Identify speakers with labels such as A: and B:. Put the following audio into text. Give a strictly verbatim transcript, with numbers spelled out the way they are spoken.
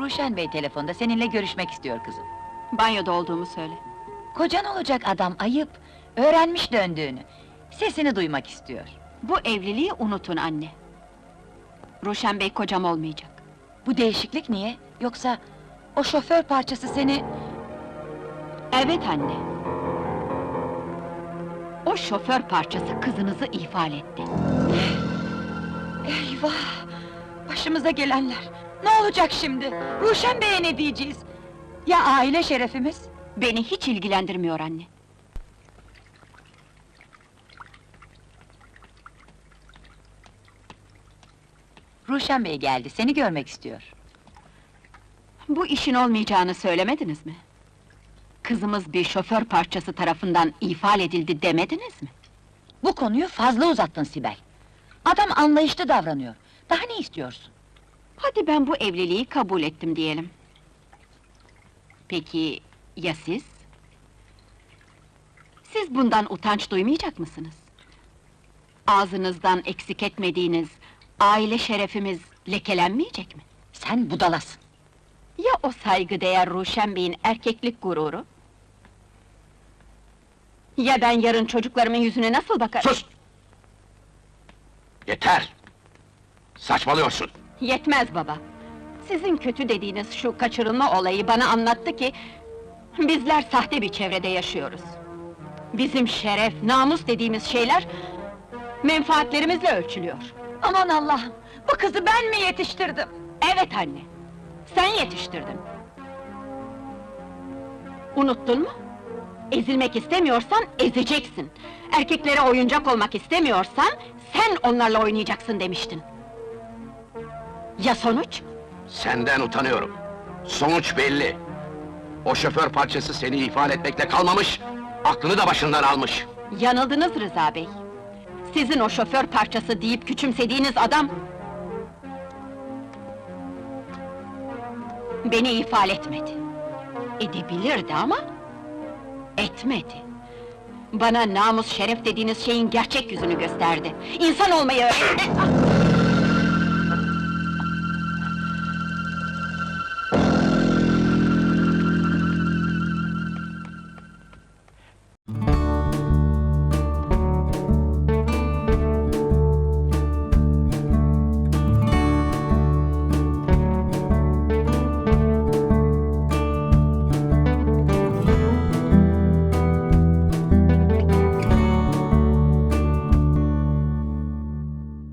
A: Ruşen Bey telefonda, seninle görüşmek istiyor kızım.
B: Banyoda olduğumu söyle.
A: Kocan olacak adam, ayıp! Öğrenmiş döndüğünü. Sesini duymak istiyor.
B: Bu evliliği unutun anne. Ruşen Bey kocam olmayacak.
A: Bu değişiklik niye? Yoksa o şoför parçası seni...
B: Evet anne. O şoför parçası kızınızı ihmal etti.
A: Eyvah! Başımıza gelenler! Ne olacak şimdi? Ruşen Bey'e ne diyeceğiz? Ya aile şerefimiz?
B: Beni hiç ilgilendirmiyor anne.
A: Ruşen Bey geldi, seni görmek istiyor.
B: Bu işin olmayacağını söylemediniz mi? Kızımız bir şoför parçası tarafından ihmal edildi demediniz mi?
A: Bu konuyu fazla uzattın Sibel. Adam anlayışlı davranıyor. Daha ne istiyorsun?
B: Hadi ben bu evliliği kabul ettim diyelim. Peki, ya siz? Siz bundan utanç duymayacak mısınız? Ağzınızdan eksik etmediğiniz aile şerefimiz lekelenmeyecek mi?
A: Sen budalasın.
B: Ya o saygıdeğer Ruşen Bey'in erkeklik gururu? Ya ben yarın çocuklarımın yüzüne nasıl bakarım?
C: Sus! Yeter! Saçmalıyorsun!
B: Yetmez baba! Sizin kötü dediğiniz şu kaçırılma olayı bana anlattı ki... ...bizler sahte bir çevrede yaşıyoruz. Bizim şeref, namus dediğimiz şeyler... ...menfaatlerimizle ölçülüyor.
A: Aman Allah'ım! Bu kızı ben mi yetiştirdim?
B: Evet anne! Sen yetiştirdin! Unuttun mu? Ezilmek istemiyorsan ezeceksin! Erkeklere oyuncak olmak istemiyorsan... ...sen onlarla oynayacaksın demiştin! Ya sonuç?
C: Senden utanıyorum! Sonuç belli! O şoför parçası seni ihmal etmekle kalmamış... ...aklını da başından almış!
B: Yanıldınız Rıza Bey! Sizin o şoför parçası deyip küçümsediğiniz adam... ...beni ihmal etmedi. Edebilirdi ama... ...etmedi. Bana namus, şeref dediğiniz şeyin gerçek yüzünü gösterdi. İnsan olmayı öğretti!